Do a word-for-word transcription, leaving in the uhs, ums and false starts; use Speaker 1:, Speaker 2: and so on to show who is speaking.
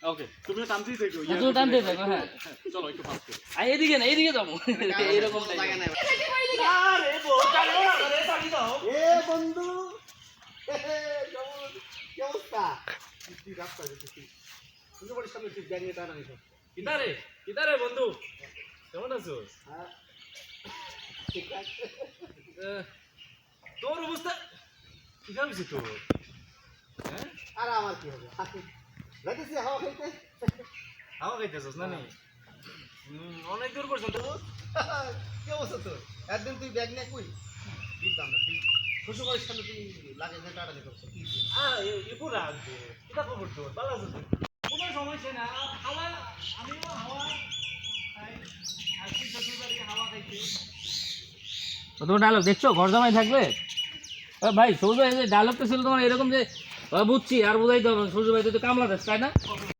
Speaker 1: ওকে তুমিও টানতেই থেকো
Speaker 2: তুই টানতে থাকো হ্যাঁ
Speaker 1: চলো একটু ফাস্ট করো
Speaker 2: আই এদিকে না এইদিকে যাবো এইরকম
Speaker 3: জায়গা নাই
Speaker 1: আরে বোকালে আরে টানি দাও
Speaker 3: এ বন্ধু কি অবস্থা তুই রাস্তা যেতেছিস তুই বলিস সামনে তুই ব্যাগ নিয়ে টানা নিস
Speaker 1: কিদারে কিদারে বন্ধু কেমন আছো
Speaker 3: হ্যাঁ ঠিক আছে
Speaker 1: আহ, তোর অবস্থা কি ভাবছি তোর হ্যাঁ
Speaker 3: আর আমার কি হবে যাইতেছি হাওয়া খাইতে
Speaker 1: হাওয়া খাইতেছস না নি হুম, অনেক দূর পর্যন্ত
Speaker 3: কি অবস্থা তোর একদিন তুই ব্যাগ নিয়ে কই বুঝতাম না তুই শ্বশুর বাড়ির সামনে তুই লাগে যে টাটা নিয়ে করছো কি
Speaker 1: আহ এপুর রাখবো কিতা খবর তোর ভালো আছো তো? কোনো সমস্যা না হাওয়া আমিও হাওয়া খাই আসছি শ্বশুর বাড়ি হাওয়া খাইতে
Speaker 2: তোমার ডায়লগ দেখছো ঘর জামাই থাকলে ও ভাই সৌজ ভাই ডায়লগটা ছিল তোমার এরকম যে ও বুঝছি আর বোঝাইতে হবে সৌজ ভাই তো কামলা দেশ তাই না